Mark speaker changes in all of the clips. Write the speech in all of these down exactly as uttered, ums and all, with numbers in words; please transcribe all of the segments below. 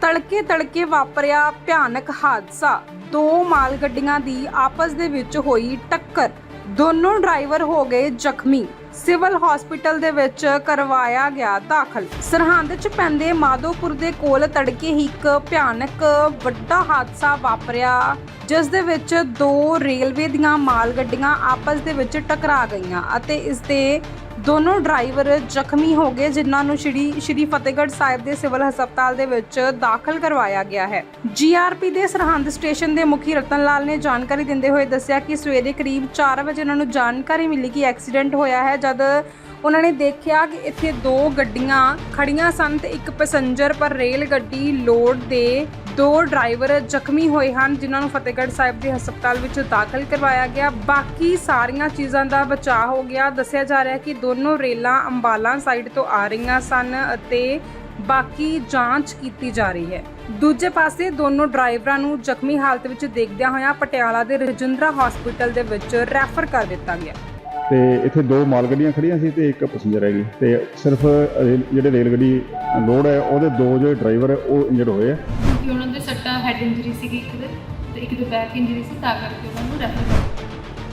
Speaker 1: ਤੜਕੇ ਤੜਕੇ ਵਾਪਰਿਆ ਭਿਆਨਕ ਹਾਦਸਾ। ਦੋ ਮਾਲ ਗੱਡੀਆਂ ਦੀ ਆਪਸ ਦੇ ਵਿੱਚ ਹੋਈ ਟੱਕਰ। ਦੋਨੋਂ ਡਰਾਈਵਰ ਹੋ ਗਏ ਜ਼ਖਮੀ। ਸਿਵਲ ਹਸਪੀਟਲ ਦੇ ਵਿੱਚ ਕਰਵਾਇਆ ਗਿਆ ਦਾਖਲ। ਸਰਹੰਦ 'ਚ ਪੈਂਦੇ ਮਾਧੋਪੁਰ ਦੇ ਕੋਲ ਤੜਕੇ ਹੀ ਇੱਕ ਭਿਆਨਕ ਵੱਡਾ ਹਾਦਸਾ ਵਾਪਰਿਆ, ਜਿਸ ਦੇ ਵਿੱਚ ਦੋ ਰੇਲਵੇ ਦੀਆਂ ਮਾਲ ਗੱਡੀਆਂ ਆਪਸ ਦੇ ਵਿੱਚ ਟਕਰਾ ਗਈਆਂ ਅਤੇ ਇਸ ਦੇ ਦੋਨੋਂ ਡਰਾਈਵਰ ਜ਼ਖਮੀ ਹੋ ਗਏ, ਜਿਨ੍ਹਾਂ ਨੂੰ ਸ਼੍ਰੀ ਸ਼੍ਰੀ ਫਤਿਹਗੜ੍ਹ ਸਾਹਿਬ ਦੇ ਸਿਵਲ ਹਸਪਤਾਲ ਦੇ ਵਿੱਚ ਦਾਖਲ ਕਰਵਾਇਆ ਗਿਆ ਹੈ। ਜੀਆਰਪੀ ਦੇ ਸਰਹੰਦ ਸਟੇਸ਼ਨ ਦੇ ਮੁਖੀ ਰਤਨ ਲਾਲ ਨੇ ਜਾਣਕਾਰੀ ਦਿੰਦੇ ਹੋਏ ਦੱਸਿਆ ਕਿ ਸਵੇਰੇ ਕਰੀਬ ਚਾਰ ਵਜੇ ਉਹਨਾਂ ਨੂੰ ਜਾਣਕਾਰੀ ਮਿਲੀ ਕਿ ਐਕਸੀਡੈਂਟ ਹੋਇਆ ਹੈ। ਜਦ ਉਹਨਾਂ ਨੇ ਦੇਖਿਆ ਕਿ ਇੱਥੇ ਦੋ ਗੱਡੀਆਂ ਖੜੀਆਂ ਸਨ ਤੇ ਇੱਕ ਪੈਸੇਂਜਰ, ਪਰ ਰੇਲ ਗੱਡੀ ਲੋਡ ਦੇ ਦੋ ਡਰਾਈਵਰ ਜ਼ਖਮੀ ਹੋਏ ਹਨ, ਜਿਨ੍ਹਾਂ ਨੂੰ ਫਤਿਹਗੜ੍ਹ ਸਾਹਿਬ ਦੇ ਹਸਪਤਾਲ ਵਿੱਚ ਦਾਖਲ ਕਰਵਾਇਆ ਗਿਆ। ਬਾਕੀ ਸਾਰੀਆਂ ਚੀਜ਼ਾਂ ਦਾ ਬਚਾਅ ਹੋ ਗਿਆ। ਦੱਸਿਆ ਜਾ ਰਿਹਾ ਹੈ ਕਿ ਦੋਨੋਂ ਰੇਲਾਂ ਅੰਬਾਲਾ ਸਾਈਡ ਤੋਂ ਆ ਰਹੀਆਂ ਸਨ ਅਤੇ ਬਾਕੀ ਜਾਂਚ ਕੀਤੀ ਜਾ ਰਹੀ ਹੈ। ਦੂਜੇ ਪਾਸੇ ਦੋਨੋਂ ਡਰਾਈਵਰਾਂ ਨੂੰ ਜ਼ਖਮੀ ਹਾਲਤ ਵਿੱਚ ਦੇਖਦਿਆਂ ਹੋਇਆਂ ਪਟਿਆਲਾ ਦੇ ਰਜਿੰਦਰਾ ਹਸਪੀਟਲ ਦੇ ਵਿੱਚ ਰੈਫਰ ਕਰ ਦਿੱਤਾ ਗਿਆ।
Speaker 2: ਤੇ ਇੱਥੇ ਦੋ ਮਾਲ ਗੱਡੀਆਂ ਖੜੀਆਂ ਸੀ ਤੇ ਇੱਕ ਪੈਸੇਂਜਰ ਹੈਗੀ ਤੇ ਸਿਰਫ ਜਿਹੜੇ ਰੇਲ ਗੱਡੀ ਲੋਡ ਹੈ ਉਹਦੇ ਦੋ ਜਿਹੜੇ ਡਰਾਈਵਰ ਹੈ ਉਹ ਇੰਜਰਡ ਹੋਏ ਆ।
Speaker 3: ਕਿਉਂਕਿ ਉਹਨਾਂ ਦੇ ਸੱਟਾਂ ਹੈਡ ਇੰਜਰੀ ਸੀਗੀ ਇੱਕ ਦੇ ਤੇ ਇੱਕ ਦੇ ਬੈਕ ਇੰਜਰੀ ਸੀ, ਤਾਂ ਕਰਕੇ ਉਹਨਾਂ ਨੂੰ ਰੈਫਰ ਕਰ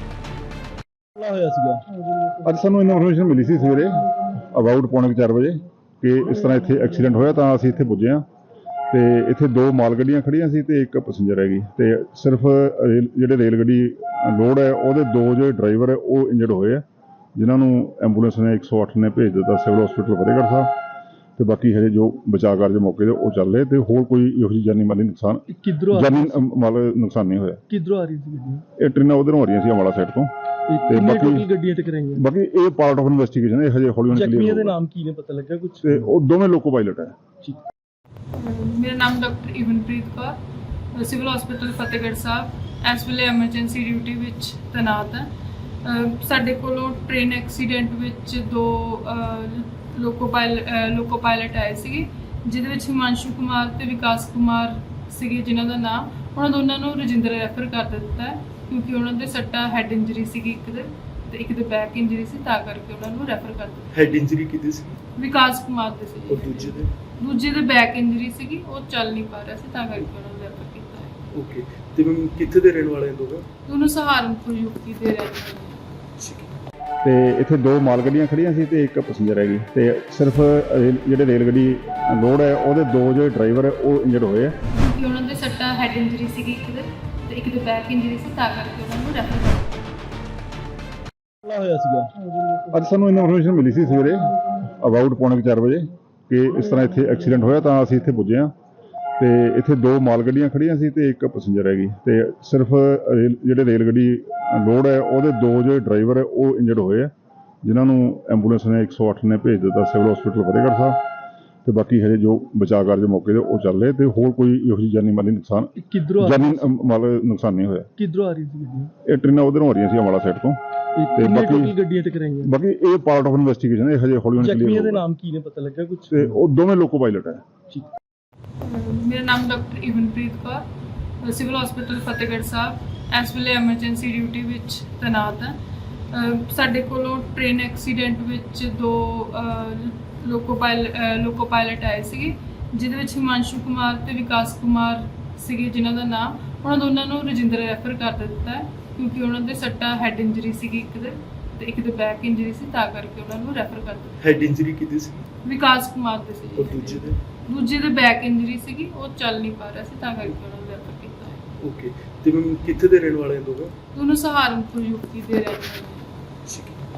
Speaker 2: ਦਿੱਤਾ ਹੋਇਆ ਸੀਗਾ। ਅੱਜ ਸਾਨੂੰ ਇਨਫੋਰਮੇਸ਼ਨ ਮਿਲੀ ਸੀ ਸਵੇਰੇ ਅਬਾਊਟ ਪੌਣੇ ਚਾਰ ਵਜੇ ਕਿ ਇਸ ਤਰ੍ਹਾਂ ਇੱਥੇ ਐਕਸੀਡੈਂਟ ਹੋਇਆ, ਤਾਂ ਅਸੀਂ ਇੱਥੇ ਪੁੱਜੇ ਹਾਂ ਤੇ ਇੱਥੇ ਦੋ ਮਾਲ ਗੱਡੀਆਂ ਖੜੀਆਂ ਸੀ ਤੇ ਇੱਕ ਪੈਸੇਂਜਰ ਹੈਗੀ ਤੇ ਸਿਰਫ ਜਿਹੜੇ ਰੇਲ ਗੱਡੀ ਲੋਡ ਹੈ ਉਹਦੇ ਦੋ ਜਿਹੜੇ ਡਰਾਈਵਰ ਹੈ ਉਹ ਇੰਜਰਡ ਹੋਏ ਆ, ਜਿਨ੍ਹਾਂ ਨੂੰ ਐਂਬੂਲੈਂਸ ਨੇ ਇੱਕ ਸੌ ਅੱਠ ਨੇ ਭੇਜ ਦਿੱਤਾ ਸਿਵਲ ਹਸਪੀਟਲ ਫਤਿਹਗੜ੍ਹ ਸਾਹਿਬ ਤੇ ਬਾਕੀ ਹਜੇ ਜੋ ਬਚਾਅ ਕਾਰਜ ਮੌਕੇ ਤੇ ਉਹ ਚੱਲ ਰਹੇ ਤੇ ਹੋਰ ਕੋਈ ਇਹੋ ਜਿਹੀ ਜਾਨੀ ਮਾਲੀ ਨੁਕਸਾਨ ਜਾਨੀ ਮਾਲ ਨੁਕਸਾਨ ਨਹੀਂ ਹੋਇਆ।
Speaker 4: ਕਿੱਧਰੋਂ ਆ ਰਹੀ ਸੀ ਗੱਡੀ?
Speaker 2: ਇਹ ਟ੍ਰੇਨਾਂ ਉਧਰੋਂ ਆ ਰਹੀਆਂ ਸੀ ਅੰਬਾਲਾ ਸਾਈਡ ਤੋਂ
Speaker 4: ਤੇ ਬਾਕੀ ਗੱਡੀਆਂ ਟਕਰਾਈਆਂ।
Speaker 2: ਬਾਕੀ ਇਹ ਪਾਰਟ ਆਫ ਇਨਵੈਸਟੀਗੇਸ਼ਨ ਹੈ, ਹਜੇ ਹੌਲੀ ਹੌਲੀ ਕਲੀਅਰ
Speaker 4: ਜ਼ਖਮੀਆਂ ਦੇ ਨਾਮ ਕੀ ਨੇ, ਪਤਾ ਲੱਗਾ ਕੁਝ?
Speaker 2: ਤੇ ਉਹ ਦੋਵੇਂ ਲੋਕੋ ਪਾਇਲਟ ਹੈ।
Speaker 3: ਮੇਰਾ ਨਾਮ doctor Ivanpreet Kaur, civil hospital Fatehgarh Sahib ਇਸ ਵੇਲੇ ਐਮਰਜੈਂਸੀ ਡਿਊਟੀ ਵਿੱਚ ਤੈਨਾਤ ਹੈ। ਸਾਡੇ ਕੋਲੋਂ ਟ੍ਰੇਨ ਐਕਸੀਡੈਂਟ ਵਿੱਚ ਦੋ ਲੋਕੋ ਪਾਇਲ ਲੋਕੋ ਪਾਇਲਟ ਆਏ ਸੀਗੇ, ਜਿਹਦੇ ਵਿੱਚ ਹਿਮਾਂਸ਼ੂ ਕੁਮਾਰ ਤੇ ਵਿਕਾਸ ਕੁਮਾਰ ਸੀਗੇ, ਜਿਨ੍ਹਾਂ ਦਾ ਨਾਮ ਉਹਨਾਂ ਦੋਨਾਂ ਨੂੰ ਰਜਿੰਦਰਾ ਰੈਫਰ ਕਰ ਦਿੱਤਾ ਹੈ, ਕਿਉਂਕਿ ਉਹਨਾਂ ਦੇ ਸੱਟਾਂ ਹੈਡ ਇੰਜਰੀ ਸੀਗੀ ਇੱਕ ਦੇ ਤੇ ਇੱਕ ਦੇ ਬੈਕ ਇੰਜਰੀ ਸੀ, ਤਾਂ ਕਰਕੇ ਉਹਨਾਂ ਨੂੰ ਰੈਫਰ ਕਰ ਦਿੱਤਾ।
Speaker 5: ਹੈਡ ਇੰਜਰੀ ਕਿਹਦੀ ਸੀ?
Speaker 3: ਵਿਕਾਸ ਕੁਮਾਰ ਦੇ ਸੀ।
Speaker 5: ਔਰ ਦੂਜੇ ਦੇ?
Speaker 3: ਦੂਜੇ ਦੇ ਬੈਕ ਇੰਜਰੀ ਸੀਗੀ, ਉਹ ਚੱਲ ਨਹੀਂ ਪਾ ਰਿਹਾ ਸੀ, ਤਾਂ ਕਰਕੇ ਉਹਨਾਂ ਨੂੰ ਰੈਫਰ ਕੀਤਾ ਹੈ।
Speaker 5: ਓਕੇ, ਤੇ ਮੈਮ ਕਿੱਥੇ ਦੇ ਰਹਿਣ ਵਾਲੇ ਦੋਵੇਂ?
Speaker 3: ਦੋਨੋਂ ਸਹਾਰਨਪੁਰ ਯੂਪੀ ਦੇ ਰਹਿਣ ਵਾਲੇ ਨੇ।
Speaker 2: ਤੇ ਇੱਥੇ ਦੋ ਮਾਲ ਗੱਡੀਆਂ ਖੜੀਆਂ ਸੀ ਤੇ ਇੱਕ ਪੈਸੇਂਜਰ ਹੈਗੀ ਤੇ ਸਿਰਫ ਜਿਹੜੇ ਰੇਲ ਗੱਡੀ ਲੋਡ ਹੈ ਉਹਦੇ ਦੋ ਜਿਹੜੇ ਡਰਾਈਵਰ ਹੈ ਉਹ ਇੰਜਰਡ ਹੋਏ ਆ।
Speaker 3: ਕਿਉਂਕਿ ਉਹਨਾਂ ਦੇ ਸੱਟਾਂ ਹੈਡ ਇੰਜਰੀ ਸੀਗੀ ਇੱਕ ਦੇ ਤੇ ਇੱਕ ਦੇ ਬੈਕ ਇੰਜਰੀ ਸੀ, ਤਾਂ ਕਰਕੇ ਉਹਨਾਂ ਨੂੰ ਰੈਫਰ ਕਰ ਦਿੱਤਾ
Speaker 4: ਹੋਇਆ ਸੀਗਾ।
Speaker 2: ਅੱਜ ਸਾਨੂੰ ਇਨਫੋਰਮੇਸ਼ਨ ਮਿਲੀ ਸੀ ਸਵੇਰੇ ਅਬਾਊਟ ਪੌਣੇ ਚਾਰ ਵਜੇ ਕਿ ਇਸ ਤਰ੍ਹਾਂ ਇੱਥੇ ਐਕਸੀਡੈਂਟ ਹੋਇਆ, ਤਾਂ ਅਸੀਂ ਇੱਥੇ ਪੁੱਜੇ ਹਾਂ ਤੇ ਇੱਥੇ ਦੋ ਮਾਲ ਗੱਡੀਆਂ ਖੜੀਆਂ ਸੀ ਤੇ ਇੱਕ ਪੈਸੇਂਜਰ ਹੈਗੀ ਤੇ ਸਿਰਫ ਜਿਹੜੇ ਰੇਲ ਗੱਡੀ ਲੋਡ ਹੈ ਉਹਦੇ ਦੋ ਜਿਹੜੇ ਡਰਾਈਵਰ ਹੈ ਉਹ ਇੰਜਰਡ ਹੋਏ ਆ, ਜਿਨ੍ਹਾਂ ਨੂੰ ਐਂਬੂਲੈਂਸ ਨੇ ਇੱਕ ਸੌ ਅੱਠ ਨੇ ਭੇਜ ਦਿੱਤਾ ਸਿਵਲ ਹਸਪੀਟਲ ਫਤਿਹਗੜ੍ਹ ਸਾਹਿਬ ਤੇ ਬਾਕੀ ਹਜੇ ਜੋ ਬਚਾਅ ਕਾਰਜ ਮੌਕੇ ਤੇ ਉਹ ਚੱਲ ਰਹੇ ਤੇ ਹੋਰ ਕੋਈ ਇਹੋ ਜਿਹੀ ਜਾਨੀ ਮਾਲੀ ਨੁਕਸਾਨ
Speaker 4: ਕਿੱਧਰੋਂ
Speaker 2: ਜਾਨੀ ਮਾਲ ਨੁਕਸਾਨ ਨਹੀਂ ਹੋਇਆ।
Speaker 4: ਕਿੱਧਰੋਂ ਆ ਰਹੀ ਸੀ ਗੱਡੀ?
Speaker 2: ਇਹ ਟ੍ਰੇਨਾਂ ਉਧਰੋਂ ਆ ਰਹੀਆਂ ਸੀ ਅੰਬਾਲਾ ਸਾਈਡ ਤੋਂ
Speaker 4: ਤੇ ਬਾਕੀ ਗੱਡੀਆਂ ਟਕਰਾਈਆਂ।
Speaker 2: ਬਾਕੀ ਇਹ ਪਾਰਟ ਆਫ ਇਨਵੈਸਟੀਗੇਸ਼ਨ ਹੈ, ਹਜੇ ਹੌਲੀ ਹੌਲੀ ਕਲੀਅਰ
Speaker 4: ਜ਼ਖਮੀਆਂ ਦੇ ਨਾਮ ਕੀ ਨੇ, ਪਤਾ ਲੱਗਾ ਕੁਝ?
Speaker 2: ਤੇ ਉਹ ਦੋਵੇਂ ਲੋਕੋ ਪਾਇਲਟ ਹੈ।
Speaker 3: ਮੇਰਾ ਨਾਮ doctor Ivanpreet Kaur, civil hospital Fatehgarh Sahib ਇਸ ਵੇਲੇ ਐਮਰਜੈਂਸੀ ਡਿਊਟੀ ਵਿੱਚ ਤੈਨਾਤ ਹੈ। ਸਾਡੇ ਕੋਲੋਂ ਟ੍ਰੇਨ ਐਕਸੀਡੈਂਟ ਵਿੱਚ ਦੋ ਲੋਕੋ ਪਾਇਲ ਲੋਕੋ ਪਾਇਲਟ ਆਏ ਸੀਗੇ, ਜਿਹਦੇ ਵਿੱਚ ਹਿਮਾਂਸ਼ੂ ਕੁਮਾਰ ਤੇ ਵਿਕਾਸ ਕੁਮਾਰ ਸੀਗੇ, ਜਿਨ੍ਹਾਂ ਦਾ ਨਾਮ ਉਹਨਾਂ ਦੋਨਾਂ ਨੂੰ ਰਜਿੰਦਰਾ ਰੈਫਰ ਕਰ ਦਿੱਤਾ ਹੈ, ਕਿਉਂਕਿ ਉਹਨਾਂ ਦੇ ਸੱਟਾਂ ਹੈਡ ਇੰਜਰੀ ਸੀਗੀ ਇੱਕ ਦੇ ਤੇ ਇੱਕ ਦੇ ਬੈਕ ਇੰਜਰੀ ਸੀ, ਤਾਂ ਕਰਕੇ ਉਹਨਾਂ ਨੂੰ ਰੈਫਰ ਕਰ ਦਿੱਤਾ।
Speaker 5: ਹੈਡ ਇੰਜਰੀ ਕਿਹਦੀ ਸੀ?
Speaker 3: ਵਿਕਾਸ ਕੁਮਾਰ ਦੇ ਸੀ।
Speaker 5: ਔਰ ਦੂਜੇ ਦੇ?
Speaker 3: ਦੂਜੇ ਦੇ ਬੈਕ ਇੰਜਰੀ ਸੀਗੀ, ਉਹ ਚੱਲ ਨਹੀਂ ਪਾ ਰਿਹਾ ਸੀ, ਤਾਂ ਕਰਕੇ ਉਹਨਾਂ ਨੂੰ ਰੈਫਰ ਕੀਤਾ ਹੈ।
Speaker 5: ਓਕੇ, ਤੇ ਮੈਮ ਕਿੱਥੇ ਦੇ ਰਹਿਣ ਵਾਲੇ ਦੋਵੇਂ?
Speaker 3: ਦੋਨੋਂ ਸਹਾਰਨਪੁਰ ਯੂਪੀ ਦੇ ਰਹਿਣ ਵਾਲੇ ਨੇ।